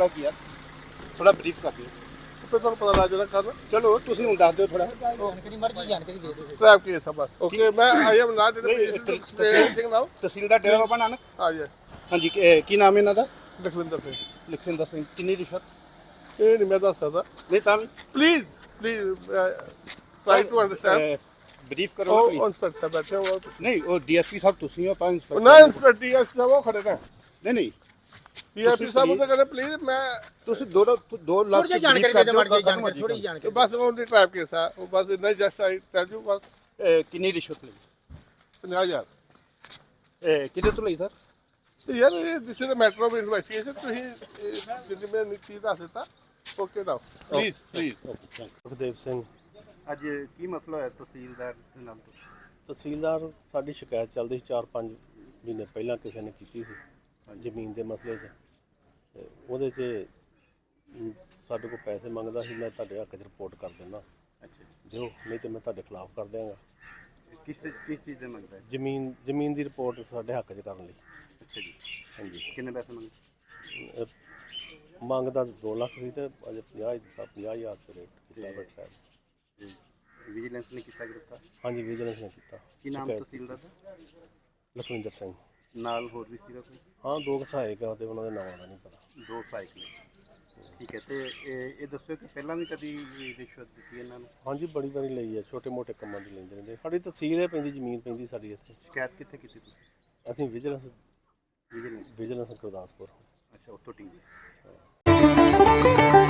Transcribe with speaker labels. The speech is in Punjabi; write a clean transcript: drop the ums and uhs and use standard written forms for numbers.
Speaker 1: ਮਸਲਾ ਕੀ ਹੈ? ਥੋੜਾ ਬਰੀਫ ਕਰ ਦਿਓ।
Speaker 2: ਫਿਰ ਤੁਹਾਨੂੰ ਪਤਾ ਲੱਗ ਜਾਣਾ ਕੱਲ।
Speaker 1: ਚਲੋ ਤੁਸੀਂ ਹੁਣ ਦੱਸ ਦਿਓ ਥੋੜਾ।
Speaker 2: ਜਾਣਕਾਰੀ ਦੇ ਦਿਓ। ਟ੍ਰੈਫਿਕ ਕੇਸ ਆ ਬਸ। ਓਕੇ ਮੈਂ I am not Singh now.
Speaker 1: Tehsildar Dera Baba Nanak.
Speaker 2: ਹਾਂਜੀ
Speaker 1: ਕੀ ਨਾਮ ਹੈ ਇਹਨਾਂ ਦਾ?
Speaker 2: ਲਖਵਿੰਦਰ ਸਿੰਘ।
Speaker 1: ਲਖਵਿੰਦਰ ਸਿੰਘ। ਕਿੰਨੀ ਰਿਸ਼ਵਤ?
Speaker 2: ਇਹ ਨਹੀਂ ਮੈਂ ਦੱਸ ਸਕਦਾ।
Speaker 1: ਨਹੀਂ ਤਾਂ ਵੀ
Speaker 2: please try to understand.
Speaker 1: Brief ਕਰੋ
Speaker 2: ਉਹ
Speaker 1: ਪਲੀਜ਼।
Speaker 2: ਇੰਸਪੈਕਟਰ ਬੈਠੇ ਹੋ।
Speaker 1: ਨਹੀਂ ਉਹ ਡੀਐਸਪੀ ਸਾਹਿਬ ਤੁਸੀਂ ਹੋ, ਪੰਜ
Speaker 2: ਨਾ ਇੰਸਪੈਕਟਰ ਡੀਐਸਪੀ ਸਾਹਿਬ ਉਹ ਖੜੇ ਨੇ।
Speaker 1: ਨਹੀਂ
Speaker 2: ਡੀਐਸਪੀ ਸਾਹਿਬ ਉਹ ਕਹਿੰਦੇ ਪਲੀਜ਼ ਮੈਂ
Speaker 1: ਤੁਸੀਂ ਦੋ ਲਫ਼ਜ਼
Speaker 3: ਜਾਣਕਾਰੀ ਦੇ ਦਿਓ ਖਤਮ ਹੋ ਜੀ ਥੋੜੀ ਜਾਣਕਾਰੀ।
Speaker 2: ਬਸ ਉਹਦੀ ਟ੍ਰੈਫਿਕ ਕੇਸ ਆ ਉਹ ਬਸ ਨਹੀਂ ਜਸਟ ਆਈ ਟੈਲ ਯੂ ਬਸ।
Speaker 1: ਕਿੰਨੀ ਰਿਸ਼ਵਤ ਲਈ?
Speaker 2: 50,000।
Speaker 1: ਕਿਹਦੇ ਤੋਂ ਲਈ ਸਰ?
Speaker 2: ਯਾਰ this is a matter of investigation. ਤੁਸੀਂ ਜਿੰਨੀ ਮੈਂ ਚੀਜ਼ ਦੱਸ ਦਿੱਤਾ okay now please.
Speaker 4: Sukhdev Singh.
Speaker 1: ਅੱਜ ਕੀ ਮਸਲਾ ਹੋਇਆ ਤਹਿਸੀਲਦਾਰ ਦੇ ਨਾਲ?
Speaker 4: ਤਹਿਸੀਲਦਾਰ ਸਾਡੀ ਸ਼ਿਕਾਇਤ ਚੱਲਦੀ ਸੀ 4-5 ਮਹੀਨੇ ਪਹਿਲਾਂ ਕਿਸੇ ਨੇ ਕੀਤੀ ਸੀ ਜ਼ਮੀਨ ਦੇ ਮਸਲੇ 'ਚ, ਤੇ ਉਹਦੇ 'ਚ ਸਾਡੇ ਕੋਲ ਪੈਸੇ ਮੰਗਦਾ ਸੀ। ਮੈਂ ਤੁਹਾਡੇ ਹੱਕ 'ਚ ਰਿਪੋਰਟ ਕਰ ਦਿੰਦਾ।
Speaker 1: ਅੱਛਾ
Speaker 4: ਦਿਓ, ਨਹੀਂ ਤਾਂ ਮੈਂ ਤੁਹਾਡੇ ਖਿਲਾਫ ਕਰ ਦਿਆਂਗਾ।
Speaker 1: ਕਿਸ ਚੀਜ਼ ਦੇ ਮੰਗਦਾ ਹੈ?
Speaker 4: ਜ਼ਮੀਨ ਦੀ ਰਿਪੋਰਟ ਸਾਡੇ ਹੱਕ 'ਚ ਕਰਨ ਲਈ।
Speaker 1: ਅੱਛਾ ਜੀ।
Speaker 4: ਹਾਂਜੀ।
Speaker 1: ਕਿੰਨੇ ਪੈਸੇ ਮੰਗਦੇ?
Speaker 4: ਮੰਗਦਾ 2 ਲੱਖ ਸੀ ਤੇ ਅਜੇ 50 ਦਿੱਤਾ। 50,000 ਤੇ ਰੇਟ ਕੀਤਾ ਬੈਠਾ।
Speaker 1: ਵਿਜੀਲੈਂਸ ਨੇ ਕੀਤਾ ਗ੍ਰਿਫਤਾਰ?
Speaker 4: ਹਾਂਜੀ ਵਿਜੀਲੈਂਸ ਨੇ ਕੀਤਾ।
Speaker 1: ਕੀ ਨਾਮ ਤਹਿਸੀਲਦਾਰ ਦਾ?
Speaker 4: ਲਖਵਿੰਦਰ ਸਿੰਘ।
Speaker 1: ਨਾਲ ਹੋਰ ਵੀ ਸੀਗਾ ਕੋਈ?
Speaker 4: ਹਾਂ 2 ਸਹਾਇਕ ਆ ਤੇ ਉਹਨਾਂ ਦੇ ਨਾਮਾਂ ਦਾ ਨਹੀਂ ਪਤਾ।
Speaker 1: 2 ਸਾਈਕਲ। ਠੀਕ ਹੈ। ਤੇ ਇਹ ਦੱਸੋ ਕਿ ਪਹਿਲਾਂ ਵੀ ਕਦੀ ਰਿਸ਼ਵਤ ਦਿੱਤੀ ਇਹਨਾਂ ਨੂੰ?
Speaker 4: ਹਾਂਜੀ ਬੜੀ ਵਾਰੀ ਲਈ ਹੈ। ਛੋਟੇ ਮੋਟੇ ਕੰਮਾਂ 'ਚ ਲੈਂਦੇ ਰਹਿੰਦੇ। ਸਾਡੀ ਤਹਿਸੀਲ ਹੈ ਪੈਂਦੀ, ਜ਼ਮੀਨ ਪੈਂਦੀ ਸਾਡੀ ਇੱਥੇ।
Speaker 1: ਸ਼ਿਕਾਇਤ ਕਿੱਥੇ ਕੀਤੀ ਤੁਸੀਂ?
Speaker 4: ਅਸੀਂ ਵਿਜੀਲੈਂਸ
Speaker 1: ਵਿਜੀਲੈਂਸ
Speaker 4: ਗੁਰਦਾਸਪੁਰ।
Speaker 1: ਅੱਛਾ ਉੱਥੋਂ ਟੀਮ।